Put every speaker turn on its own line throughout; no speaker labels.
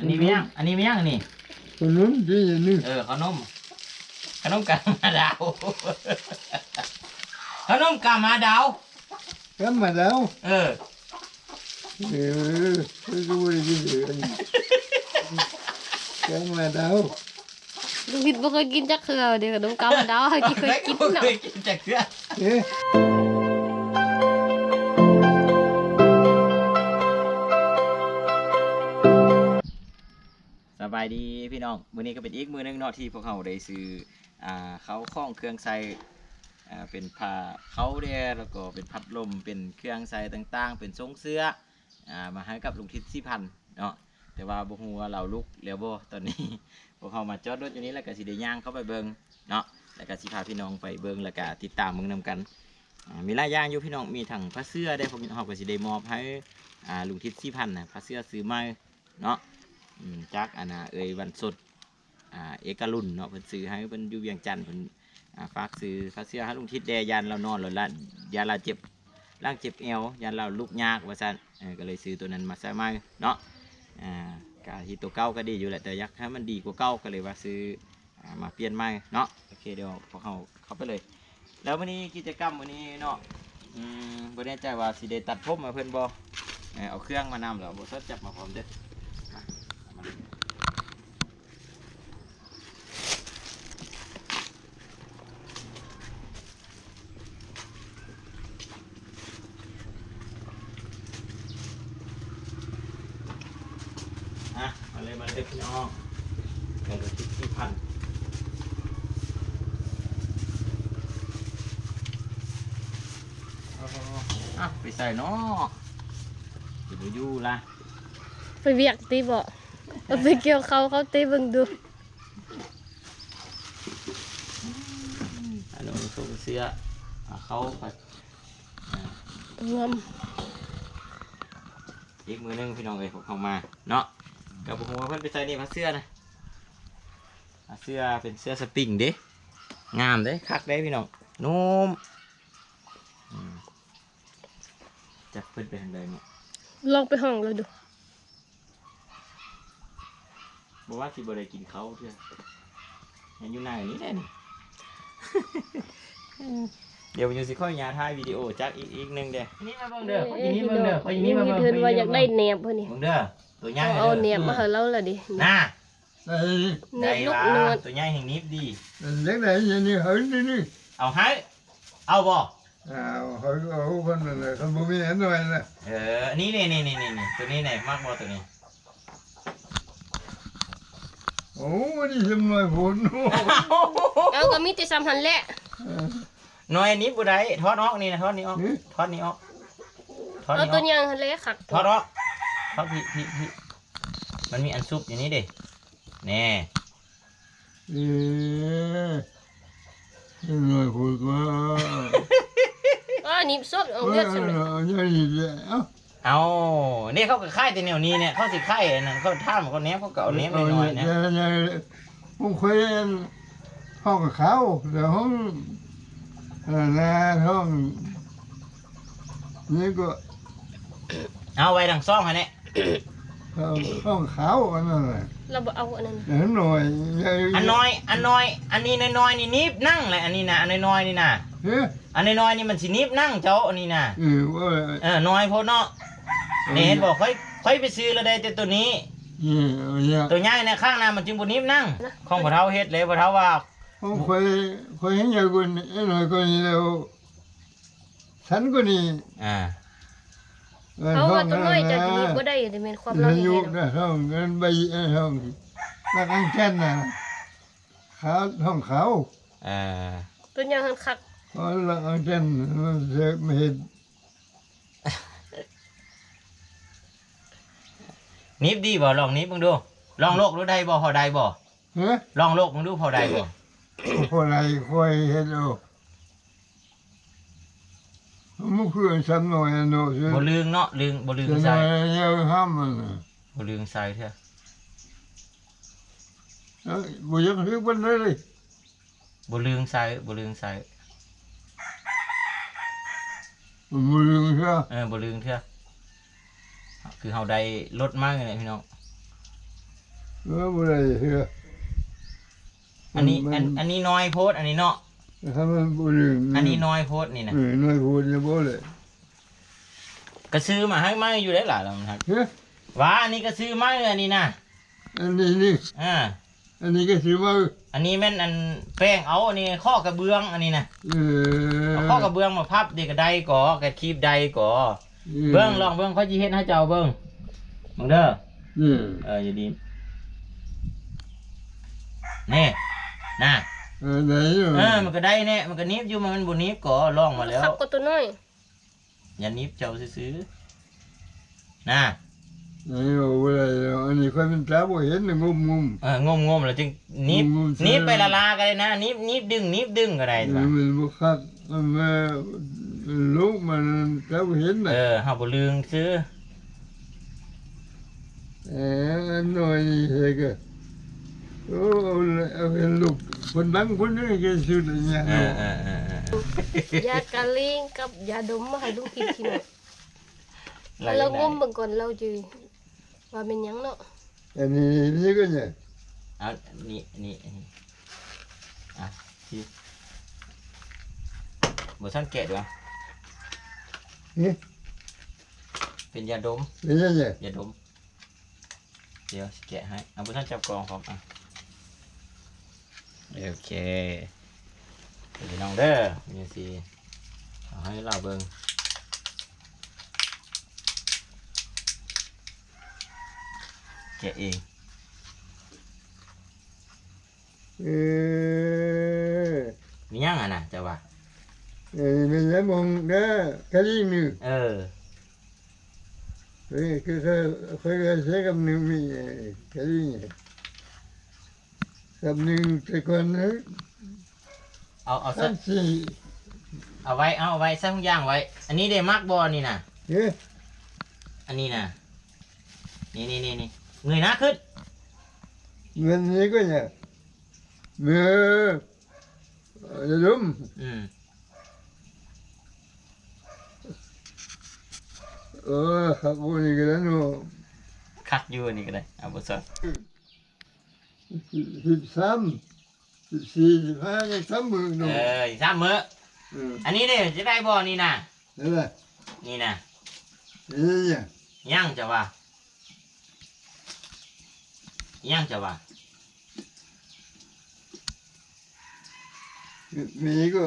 อันนี้ไม่ยังอันนี้ไม่ยังอันนี้
ขนมจีนนี่
ขนมกามาดาวขนมกามาดาว
กันมาแล้วไม่รู้อะไรกินเลยกันมาแล้ว
ลุงพิษบ่เคยกินจักเขือเดี๋ยวน้องกำดาวที่เคยกินเนาะ
เคยกินจักเขือสบายดีพี่น้องมื้อนี้ก็เป็นอีกมื้อนึงเนาะที่พวกเขาได้ซื้อเขาคล้องเครื่องใส่เป็นผ้าเขาเด้แล้วก็เป็นพัดลมเป็นเครื่องใส่ต่างๆเป็นทรงเสื้อมาให้กับลุงทิศ4,000เนาะแต่ว่าบ่ฮู้ว่าเราลุกแล้วบ่ตอนนี้พวกเขามาจอดรถอยู่นี้แล้วก็สิได้ย่างเข้าไปเบิ่งเนาะแล้วก็สิพาพี่น้องไปเบิ่งแล้วก็ติดตามเบิ่งนำกันมีหลายอย่างอยู่พี่น้องมีทั้งผ้าเสื้อได้พวกเขาก็สิได้มอบให้ลุงทิศ4,000นะผ้าเสื้อซื้อใหม่เนาะจักวันสดเอกรุ่นเนาะเพิ่นซื้อให้เพิ่นอยู่เวียงจันทน์เพิ่นฝากซื้อผ้าเสื้อให้ลุงทิศแดยันเรานอนแล้วละยาลาเจ็บร่างเจ็บเอวยันเราลุกยากว่าซั่นก็เลยซื้อตัวนั้นมาใส่ใหม่เนาะกาที่ตัวเก่าก็ดีอยู่แหละแต่อยากให้มันดีกว่าเก่าก็เลยว่าซื้อมาเปลี่ยนใหม่เนาะโอเคเดี๋ยวพวกเขาเข้าไปเลยแล้ววันนี้กิจกรรมวันนี้เนาะบ่แน่ใจว่าสิได้ตัดผมมาเพิ่นบ่เอาเครื่องมานำแล้วบ่สดจับมาพร้อมเด้อมาเลยพี่น้องกันดูที่พันไปใส่เนาะจะดูยู่ละ
ไปเวียกตีบ่ไปเกี่ยวเขาตีเบิ่งดู
อันนู้นส่งเสียเขาไป
งอม
อีกมือนึงพี่น้องพวกเขามาเนาะกับผมว่าเพื่อนไปใส่นี่ผ้าเสื้อนะผ้าเสื้อเป็นเสื้อสปริงเด้งามเด้คักเด้พี่น้องนุ่มจับเพื่อนไปทางใดเนาะ
ลองไปห้องเราดู
บอกว่าสิบ่ได้กินเขาเพื่อนยังอยู่หน้าอย่างนี้แน่นี่ เดี๋ยวอยู่สิค่อยยาถ่ายวิดีโอจักอีกนึงเด้นี่มาเบิ่งเด้ออีนี่เบิ่งเด้ออีนี่มาเบิ่ง
เพิ่นว่าอยากได้แหนบเพิ่นนี่
เบิ่งเด้อตัวใหญ่
เอาแหนบมาให้เราล่ะดิ
น่า
ได้ว่า
ตัวใหญ่แห่งนี้ดี
เล็กไหนอย่างนี้เฮ้ยนี่
เอาให้เอาบ่
เฮ้ยเอาคนนั้นเลยคนบ่มีเห็นหน่อยนะ
นี่ตัวนี้ไหนมากบ่ตัวนี้
โอ้นี่ทำหน่อยผล
เอาก็มีแต่3หันแหละ
หน่อยนี้บ่ได้ทอดออกนี่นะทอดนี้ออกทอดนี้ออก
เอาตัวยังหันแหละคัก
ทอดออกทอดพี่มันมีอันซุปอย่างนี้ดิแน่
หน่อยผล
ว่านี่สดเอาเลือดใช่ไหม
เอาเนี่ยเขาก็ค่ายแต่แนวนี้เนี่ยเขาสิค่ายนั่นเขาท่ามเขาเนี้ยเขาเก่าเนี้ยไม่น้อยนะ
ผมเคยห้องเขาเดี๋ยวห้องห้องนี่ก็
เอาไว้ดังซ่องฮะเนี่ย
ห้องเขาอันนั้นแหละ
เราบอกเอาอันนั้น
หน่อย
อันน้อยอันนี้น้อยนี่นิบนั่งเลยอันนี้นะอันน้อยนี่นะอันน้อยนี่มันสินิบนั่งเจ้าอันนี้นะน้อยโพดเนาะเนี่ยเห็นบอกค่อยไปซื้อแล้วได้แต่ตัวนี้ตัวใหญ่ในข้างหน้ามันจึงบนนิบนั่งของพ่อเฒ่าเฮ็ดเลยพ่อเฒ่าว่า
ผมเคยเห็นอย่างคนหน่อยคนนี้แล้วฉันก็นี่
เขาว่าตัวน้อยจะนิบก็ได้แต่เป็นความเราเห็น
นะห้องเงินใบห้องนักอังแค่นนะเขาห้องเขา
ตัวยังหันคัก
อ๋อนักอังแค่นมันจะไม่เห็น
นิบดีบ่ลองนิบมึงดูลองโลกดูได้บ่พอได้บ่ลองโลกมึงดูพอได้บ่
พอได้ค่อยเห็นเอามันคือซ้ำหน่อยเนาะ
บ่ลืงเนาะลืงบ่ลืงใส่
ห้ามมัน
บ่ลืงใส่เถอะ
บ่ยังคือมันเลย
บ่ลืงใส่บ่ลืงใส่
บ่ลืงเถอะ
บ่ลืงเถอะคือเฮาได้ลดมากเลยพี่น้อง
บ่ได้เฮือ
อันนี้น้อยโพดอันนี้เนาะ
ถ้ามันบ่ลืม
อันนี้น้อยโพดนี่นะ
น้อยพูดจะบ่เลย
ก็ซื้อมาให้มาอยู่ได้หล่ะแล้วมันครับ
เฮ้ย
ว่าอันนี้ก็ซื้อมาเลยอันนี้นะ
อันนี้นี่
อ่า
อันนี้ก็สิว่า
อันนี้แม่นอันแป้งเอาอันนี้ข้อกระเบื้องอันนี้นะ
เออ
เอาข้อกระเบื้องมาพับเด็กก็ได้ก่อกระคีบได้ก่อเบิ้งลองเบิ้งเขาจีเฮ็ดให้เจ้าเบิ้งมึงเด้ออย่าดีนี่นะ
ไหนอยู่
มันก็ได้เนี่ยมันก็นิบอยู่มันบ่นิบก่อลองมาแล้ว
ขับก็ตัวน้อย
อย่านิบเจ้าซื้อๆนะ
ไหนอยู่บ่ได้แล้วอันนี้ค่อยเป็นตาบ่เห็นน่ะงม
งมแล้วจึงนิบ
งมๆ
นิบไปละลากันเลยนะนิบดึงก็ได้จ้ะ
มันบ่คักมันมาลูกมันตาบ่เห็นน่ะ
เฮาบ่ลืมซื้อ
อันน้อยนี่เฮก็โอ้เอาเป็นลูกคนดังคนนึงก็สุดอย่าง
ยากะลิงกับยาดมมาให้ลุงกินทีหน่อยเรางมเบิ่งก่อนเราจือว่าเป็นหยังเนาะ
อันนี้ก็เนี่ย
เอานี่อ่ะที่บ่ทันแกะด้วย
นี่
เป็นยาดม
เป็นยังไง
ยาดมเดี๋ยวสิแกะให้เอาบ่ทันจับกล่องพร้อมอ่ะโอเคเดี๋ยวน้องเด้อนี่สิเอาให้เราเบิ่งแกะเอง มียังอ่ะนะแต่ว่า
mình đã mong đó cái gì nữa
เออ
cái sẽ cầm nước mi cái gì nhỉ cầm nước cái con nữa
เอาซะ
ăn gì
เอาไว้ซะทุกอย่างไว้ อันนี้เดมักบอนี่นะ
thế
อันนี้นะนี่เงยหน้าขึ้น
mình như cái nhỉ mưa đúng
อืม
khắp vô này cái đó nó
คักอยู่นี่ก็ได้เอาบทสวด
13 14 15 16 mưa
เอ
nó
อีกสามมื้ออันนี้เด้จะได้บอนี่นะ
thế là
นี่นะ
thế nhỉ
ยังจะว่ายังจะว่า
mình có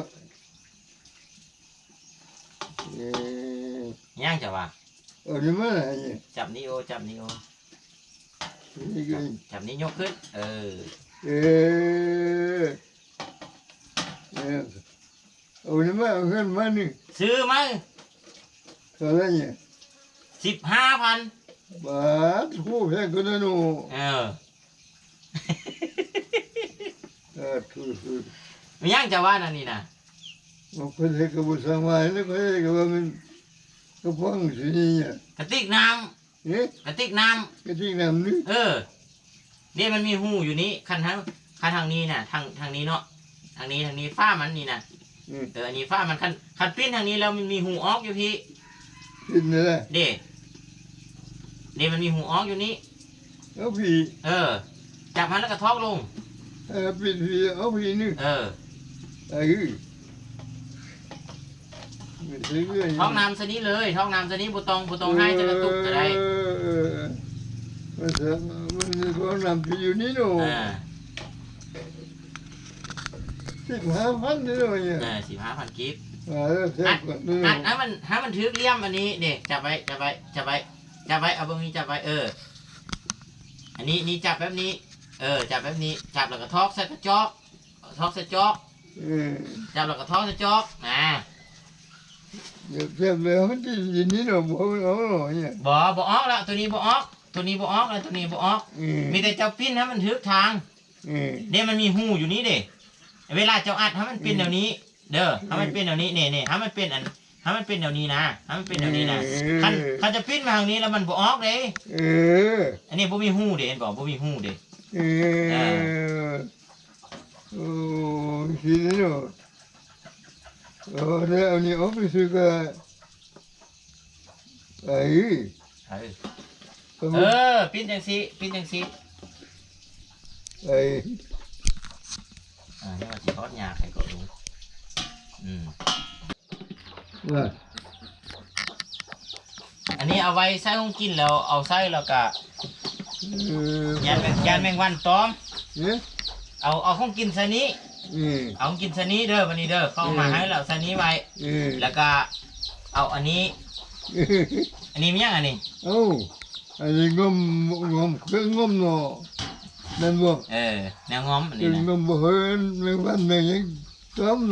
ยังจะว่า
ở đây mà là nhỉ
จับนิ้วจับนิ้ว
cái cái
จับนิ้วยกขึ้น เออ
ủa nhưng mà hơn mà nữa
ซื้อมั้ง
sao đấy nhỉ
15,000
bà thu phép cái đó nó
เออ
thu thu
มียังจะว่านั่นนี่นะ
mà có thể cái bộ sáng mai nó có thể cái bà mình cái phong gì nhỉ
กระติกน้
ế
ำกระติกน้ำ
cái gì làm nữa
เนี่ยมันมีหูอยู่นี้คันทางนี้น่ะทางนี้เนาะทางนี้ฝ้ามันนี่นะอันนี้ฝ้ามันคันปิ้นทางนี้แล้วมันมีหูออกอยู่พี่
cái này
เด้มันมีหูออกอยู่นี้
ốc gì
จับมันแล้วก็ทอกลง
bị ốc gì nữa mình thấy cái
ท้องน้ำสนี้เลยท้องน้ำสนี้บุตองให้จะกระตุกจะได้
mình có làm cái gì nữa đâu thích há phát nữa rồi nhỉ
15,000 กิฟต์
xem còn nữa
ให้มันถือเลี่ยมอันนี้เด็กจับไว้เอาเบื้องนี้จับไว้อันนี้จับแบบนี้จับแบบนี้จับแล้วก็ทอกใส่กระจอกทอกใส่จอกจับแล้วก็ทอกใส่จอก
xem về không cái gì nữa đâu bỏ nó rồi nhỉ
บ่ออกแล้วตัวนี้บ่ออกแล้วตัวนี้บ่ออกมีแต่เจ้าปิ้นให้มันถือทางเนี่ยมันมีหูอยู่นี้เด็กเวลาเจ้าอัดให้มันเป็นแนวนี้ เด้อให้มันเป็นแนวนี้เนี่ยให้มันเป็นให้มันเป็นแนวนี้นะให้มันเป็นแนวนี้นะคันจะปิ้นมาทางนี้แล้วมันบ่ออกเลยอันนี้บ่มีหูเด้เห็นบ่บ่มีหูเด้
gì nữa đây ông này ốp cái sự cái ấy
ปิ้นจังซี่
ไอ้
นี่ว่าสิทอดยาใครก็รู้อืม
ว่า
อันนี้เอาไว้ใส่ของกินแล้วเอาใส่แล้วก็ยานแมงวันตอม
เนี่ย
เอาของกินใส่นี้เอาของกินใส่นี้เด้อวันนี้เด้อเข้ามาให้แล้วใส่นี้ไว้แล้วก็เอาอันนี้มียังอันนี้
เอ้าอันนี้งมเครื่องงมเนาะนั่นบ่
แนวง้อมอัน
เครื่
นี้
อง
นะ
งมบ่เห็นแมงวันแมงหยังต้มนะ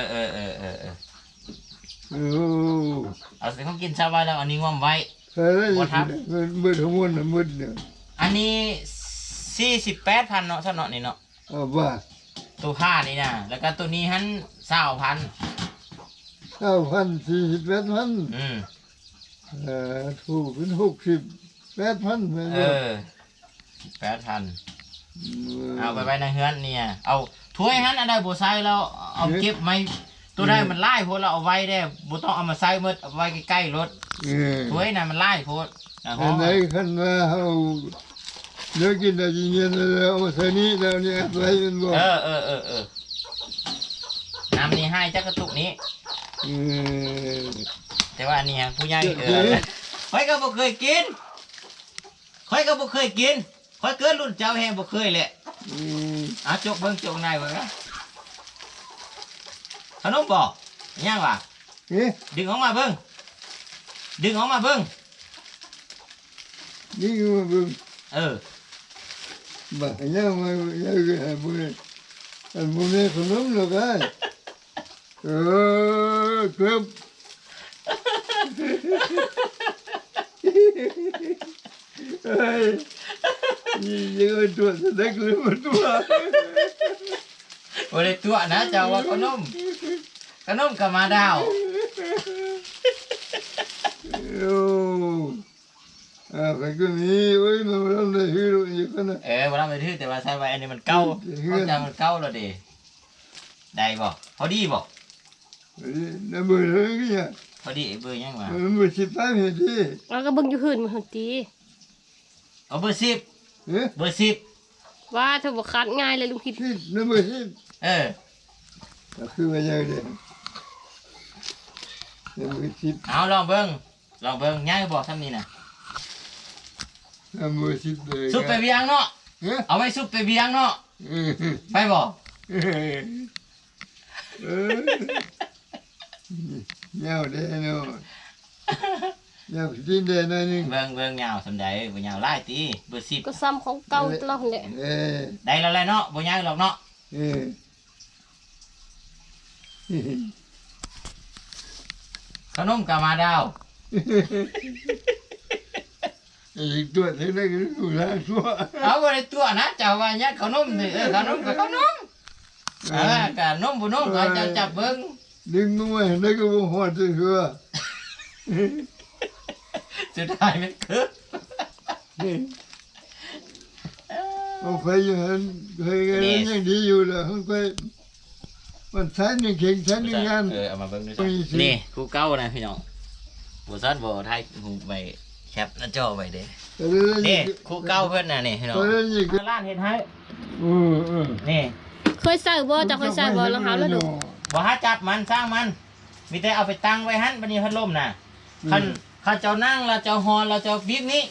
โอ้
เอาใส่ของกินใส่ไว้แล้วอันนี้ง้อมไว้
ใส่ได้มืดทั้งมวลน่ะมืดเนี่ย
อันนี้48,000เนาะซะเนาะนี่เนาะ
เอาว่า
ตัวผ้านี่นะแล้วก็ตัวนี้หัน20,000
9,048,000ถูกเป็น68,000แม่นบ่
8,000เอาไปไว้ในเฮือนเนี่ยเอาถ้วยหันอันใดบ่ใส่แล้วเอาเก็บไว้ตัวใดมันหลายโพดเราเอาไว้ได้บ่ต้องเอามาใส่หมดเอาไว้ใกล้ๆรถถ้วยน่ะมันหลายโพด
อันไหนคันว่าเฮาเลิกกินได้ยินแล้วเอาใส่นี้แล้วเนี่ยใส่มันบ่
น้ำนี่ให้จักกระตุกนี้แต่ว่าอันนี้ฮะผู้ใหญ่ค่อยก็บ่เคยกินค่อยเกิดรุ่นเจ้าแฮงบ่เคยแหละจกเบิ่งจกในเบิ่งนะขนมบ่ยังวะ
นี่
ดึงออกมาเบิ่งนี่ก็มาเบิ่ง
บ่ยังมายังให้บ่ได้อันบ่ได้ขนมหรอกไอ้ครับ เฮ้ยยังไงตัวแสดงเลยมาตัว
บ่ได้ตัวนะเจ้าว่าขนมกับมาดาว
โอ้ใครก็มีโอ้ยมันทำได้ฮีโร่อยู่กันนะ
บ่ทำไปทื่อแต่ว่าใส่ไว้อันนี้มันเก่าเข้าใจมันเก่าแล้วดิได้บ่พอดีบ่
นั่นเบอร์เลยเนี่ย
พอดีเบอร์ยังวะ
มันเบอร์15เห็นดิ
แล้วก็เบิ่งอยู่หื่นมันหั่นติ
เอาเบอร์10
เอ๊ะ
เบอร์10
ว่าถ้าบ่คัดง่ายเลยลุงคิด
นั่นเบอร์10คือว่าอย่างเดียวนั่นเบอร์10
เอาลองเบิ่งง่ายบ่ทำนี่น่ะ
นั่นเบอร์10เลย
ซุปไปเวียงเนาะ
เอ๊ะ
เอาไว้ซุปไปเวียงเนาะไปบ่
เงาเด้เนาะเงาดินเด้หน่อยนึง
เบิ่งยาวสำใดบ่ยาวหลายติเบอร์10
ก็ซ้ำของเก่าตลอดแหละ
ได้แล้วแหละเนาะบ่ยาวหรอกเนาะขนมกับมาดาว
อีกตัวเท่านั้นก็อยู่แล้วตัว
เอาบ่ได้ตัวนะเจ้าว่าเนี่ยขนมนี่ขนมกับขนมกะนมบ่นมก็เจ้าจับเบิ่ง
ดึงมาให้ได้ก็บ่ฮอดซื่อ
สุดท้ายมันคือ
เอาไปอยู่หันเคยกันยังดีอยู่แล้วเพิ่งไปมันใช้หนึ่งเข่งใช้หนึ่งงาน
เอามาเบิ่งดูสินี่ครูเก่านะพี่น้องบ่ซัดบ่ไทยหูไปแคปหน้าจอไว้เด้นี่ครูเก่าเพิ่นน่ะนี่พี่น้อง
ตอนนี้ก็
ร้านเฮ็ดให้
เออ
นี่
เคยใส่บ่จะเคยใส่บ่รองเท้าแล้วดู
บ่หาจับมันสร้างมันมีแต่เอาไปตั้งไว้หั่นบัดนี้พัดลมน่ะคันเจ้านั่งแล้วเจ้าฮอนแล้วเจ้าบีบนี้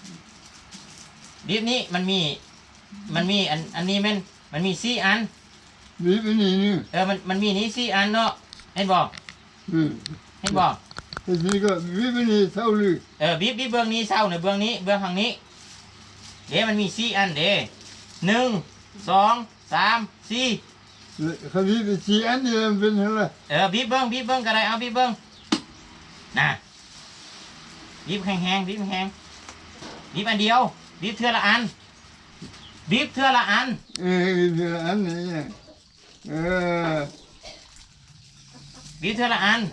มันมีอันนี้มันมี4อัน
นี่เป็นนี่นี่
มันมีนี้4อันเนาะเห็นบ่ เห็นบ่
ทีนี้ก็วิเป็นนี่เท่าลือ
บีบเบื้องนี้เศร้าในเบื้องนี้เบื้องทางนี้เดี๋ยวมันมี4อันเด้1 2 3 4
คำนี้เป็นสี่อันนี่มันเป็นอะไร
บีบเบิ้งก็ได้เอาบีบเบิ้งน่ะบีบแห้งบีบแห้งบีบอันเดียวบีบเทื่อละอันบีบเทื่อละอัน
เป็นอันนี้
บีบเทื่อละอัน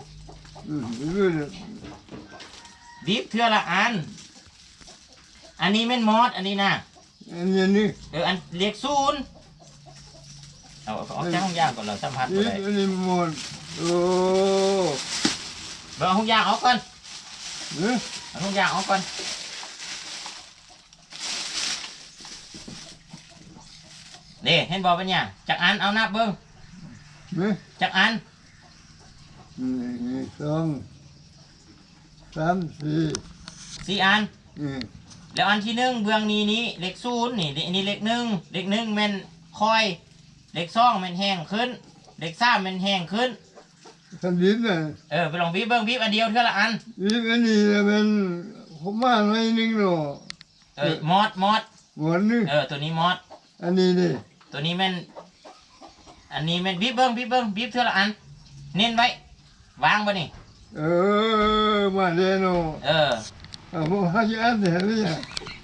บีบเทื่อละอันอันนี้แม่นมอดอันนี้นะ
อันนี้นี่
อันเรียกศูนย์เอาออกจากห้องยางก่อนเราสัมผัสอะไร
อันนี้หมดโอ้
เบอร์ห้องยางออกก่อนเอาห้องยางออกก่อนเด้เห็นบอกเป็นเนี่ยจักอันเอานับเบิ้ง
นะ
จักอัน
1 2 3 4
4 อัน
อืม
แล้วอันที่หนึ่งเบื้องนี้เลข0นี่นี่เลข1เลข1แม่นคอยเลข2แม่นแห้งขึ้นเลข3แม่นแห้งขึ้น
คันดินน่ะ
ไปลองบีบเบิ้งบีบอันเดียวเท่าละอัน
นี่อันนี้เป็นผมมาหน่อยนึงเนาะ
มอด
หมอนนึง
ตัวนี้มอด
อันนี้นี่
ตัวนี้แม่นอันนี้แม่นบีบเบิ้งบีบเท่าละอันเน้นไว้วางบ่นี่
มาเด้เนาะ ผมหาจะอ่านได้เลยอ่ะ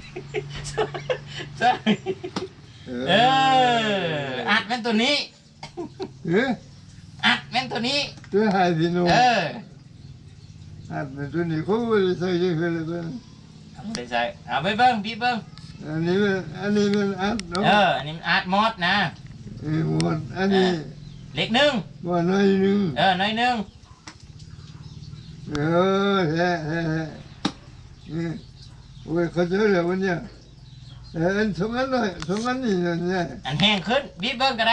อัดแม่นตัวนี้
เอ๊ะ
อัดแม่นตัวนี้
ตัวหายสิเนาะอันเป็นตัวนี้เขาไม่ได้ใส่เยอะเลยเป็น
ไม่ใช่เอาไปเบิ้งบีบเบิ้ง
อันนี้เป็นอันเนาะ
อันนี้อัดมอดนะ
หมดอันนี้
เลขหนึ่ง
ว่าน้อยนึง
น้อยหนึ่ง
แฮ่โอ้ยเขาเจอแล้ววันเนี้ยอันสองอันหน่อยสองอันนี่เนี่ย
อันแห้งขึ้นบีบเบิ้งก็ได้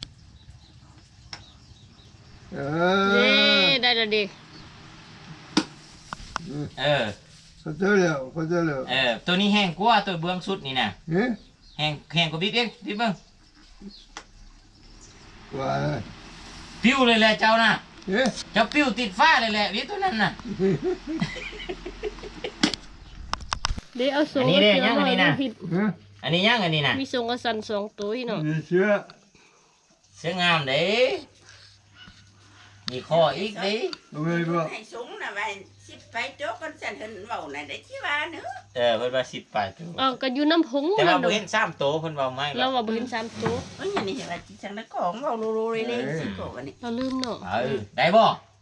เย้ได้แล้วดิ
เขาเจอแล้ว
ตัวนี้แห้งกว่าตัวเบื้องสุดนี่นะ
เอ๊ะ
แห้งกว่าบีบเองบีบเบิ้ง
ว่า
ปิ้วเลยแหละเจ้าน่ะ
เอ๊ะ
เจ้าปิ้วติดฟ้าเลยแหละบีบตัวนั้นน่ะ
เดี๋ยวเอาส่ง
อันนี้เด้ยังอันนี้นะ
ผิด
อันนี้ยังอันนี้นะ
มีส่งกระสัน2ตัวพี่น้อง
มีเชื้อ
เสื้องามเด้มีข้ออีกเด้
เอาไว้บ่
ให้สูงนะว่าสิไปโจ๊กกันสันเห็นเว้าน่ะได้ที่ว่าเนอะ
เพิ่นว่า10ปลายตัว
เอาก็อยู่น้ำผง
แต่ว่า
นั่น
บ่
ดอก
เห็น3โตวเพิ่นเว้าไม่
เราว่าบ่เห็น3ตัว
เอ้ยอันนี้ว่าจิจังได้ของเว้าโลๆเลยๆสิโกวันนี้
เราลืมเนาะ
ได้บ่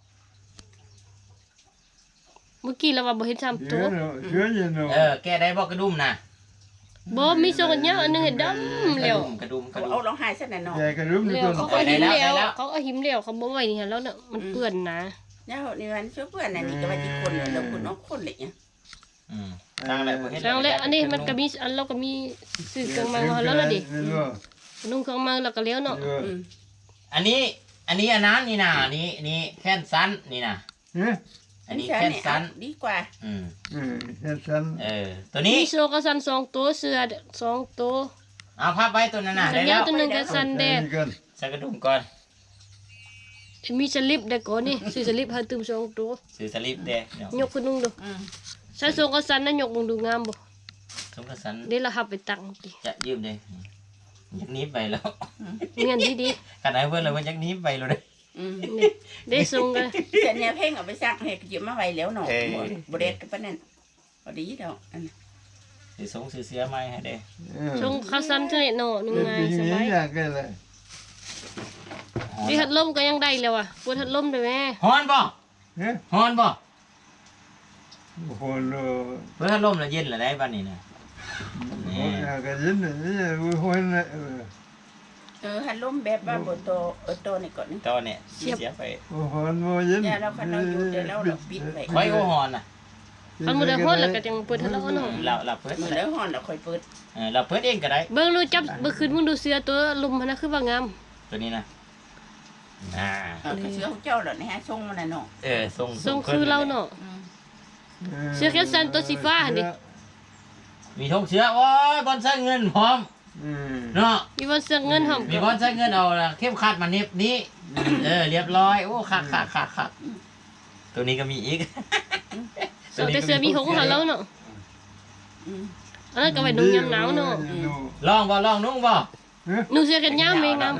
เมื่อกี้เราว่าบ่เห็น3
เชื้
ตั
อ
ว
เนาะเชื้อเย็นเนาะ
แกได้บ่กระดุมน่ะ
บ่มีส่งอันเนี้ยอันหนึงเห็นดำแล้ว
กระดุม
เอาลองหายซะหน่อยเนาะ
ใหญ่กระดุมนี่
แล้ว
ต้น
เขาก็หิมแล้วเขาก็หิมแล้วเขาบ่ไว้นี่ฮะแล้วเนาะมันเปื้อนนะ
เนี่ยนี่วันช่วยเพื่อนน่ะนี่ก็ว่าที่คนเนอะแล้วคุณน้องคนเลยเนี่ย
ทางแหละบ่เห็น
แล้วแล้วอันนี้มันก็มีอันเราก็มีซื้อเครื่องมือมาแล้วล่ะดินุ่งเครื่องมือแล้วก็แล้วเนาะ
อืม
อันนี้อันนั้นนี่น่ะนี่แค่นสั้นนี่น่ะ
เอ๊ะ
อันนี้แค่นสั้น
ดีกว่า
แค่สั้น
ตัวนี้
มีโซกระสัน2ตัวเสื้อ2ตัว
เอาพับไว้ตัวนั้นน่ะ
สั
ได้
ญ
แล้
ญาว ตัวหนึงกระสันแดด
ใส่กระดุมก่อน
มีสลิปได้ก่อนนี่ซื้อสลิปให้ตึม2ตัว
ซื้อสลิปเด้เดี๋ยวย
กขึ้นนุ่งดู
อืม
ใช้โซกระสันนั้นยกมึงดูงามบ่
สมกระสัน
เดี๋ยวเราหับไปตังติ
จะยืมเด้อยากหนีบไปแล้ว
เมียนดี
ขนาดเพิ่นเลยว่าอยากหนีบไปแล้วเด้
อืม
ๆนี่ได้ส่งกัน
เสียเนี่ยเพ่งเอาไปซักให้ยืมมาไว้แล้วเนาะบ่ได้กับปานนั้นพอดีดอกอัน
สิส่งซื้อเสียใหม่ให้เด้
ส่งข้าวสันเท่านี้เนาะนุ่งง่ายสบาย
อยากกันเลย
ดีหัดลมก็ยังได้แล้วอ่ะปวดหัดลมได้แม่
ฮ้อนบ่
เอ๊ะ
ฮ้อนบ่
โอ้โหโล
เพิ่นถ้าลมแล้วเย็นแล้วได้บัดนี้น่ะ
อยากกันยินนี่โอ้โหนะ
ฮัลโหลแบบว่าบ่โตนี่ก่อนนี่
ตอนนี้เสียไป
โอ้โหโมยิน
เนี่ยเราคันเราอยู่เดี๋ยวเราปิดไว้
ไว้โอฮ้อนน่ะ
คันบ่ได้ฮ้อนแล้วก็จังเปิดหัดลมเนาะ
เราเพิ่น
มื้อแล้วฮ้อนแล้วค่อยเปิด
เราเพิ่นเองก็ได้
เบิ่งดูจับเมื่อคืนมึงดูเสือตัวลมมันน่ะคือว่างาม
ตัวนี้นะอ่า
ก็เชื่อเจ้าแล้วนี่ฮะส่งมันน่ะเนาะ
ทรงคือเราเนาะ เสื้อแขนสั้นตัวสีฟ้าหั่นดิ
มีธงเชื้อโอ้ยบอลใส่เงินพร้อมเนาะ
มีวันเสื้อเงินหอม
มีบอลใส่เงินเอาละเข้มขัดมาเน็บนี้เรียบร้อยโอ้คักตัวนี้ก็มีอีก
แต่เสื้อมีหงส์หาแล้วเนาะอันนั้นก็ไว้นุ่งยามหนาวเนาะ
ลองนุ่งบ่
นุ่งเสื้อแขนยาวมีงาม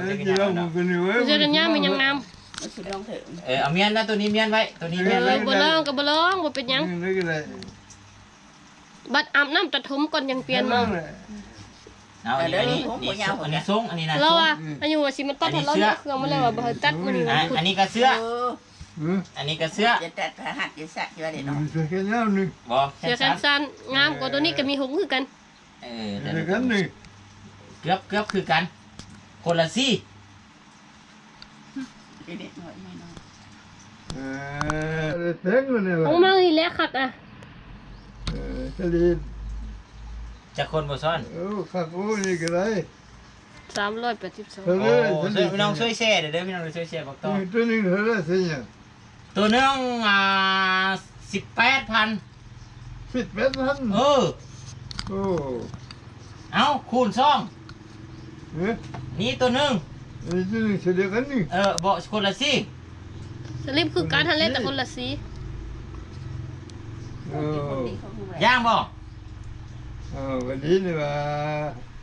Nó
เสื้อแขนยาวมียังงาม
มันสิลองเถอะ
เอาเมียนนะตัวนี้เมียนไว้ตัวนี้เมียนไว้
บ่ลองก็บ่ลองบ่เป็นหยังบัดอาบน้ำตัดผมก่อนยังเปลี่ยนมา
เอาอันนี้ทรงอันนี้นะ
เราอ่ะอันนี้ว่าสิมันตัดให้เราเนาะเครื่องมันแล้วว่าบ่ให้ตัดมันนี่ว่า
อันนี้ก็เสื้อ อันนี้ก็เสื้อ
จะตัดผ้าหัดจะสักอยู่ว่าเด้เนาะ
บ่
เสื้อแขนสั้นงามกว่าตัวนี้ก็มีหงส์คือกัน
เกือบคือกัน คนละซี่
เด็กน้อยน้อย
ของมาอีแลคักอ่ะ
จะคนบ่ซ่อน
ส 382
โอ้ช่วยพี่น้องช่วยแชร์เด้อพี่น้องช่วยแชร์บอกต่อ
ตัวนึงเท่าไรสิเนี่ย
ตัวหนึง18,000
18,000
เออ
โอ้
เอาคูณซ่อง
เนี่ย
นี่ตัวหนึง
ไอ้ตัวนึงเสียกันนี่
บ่คนละสิ
สลิปคือการทันเล่นแต่คนละสี
โอ้
ย่างบ่
วันนี้นี่ว่า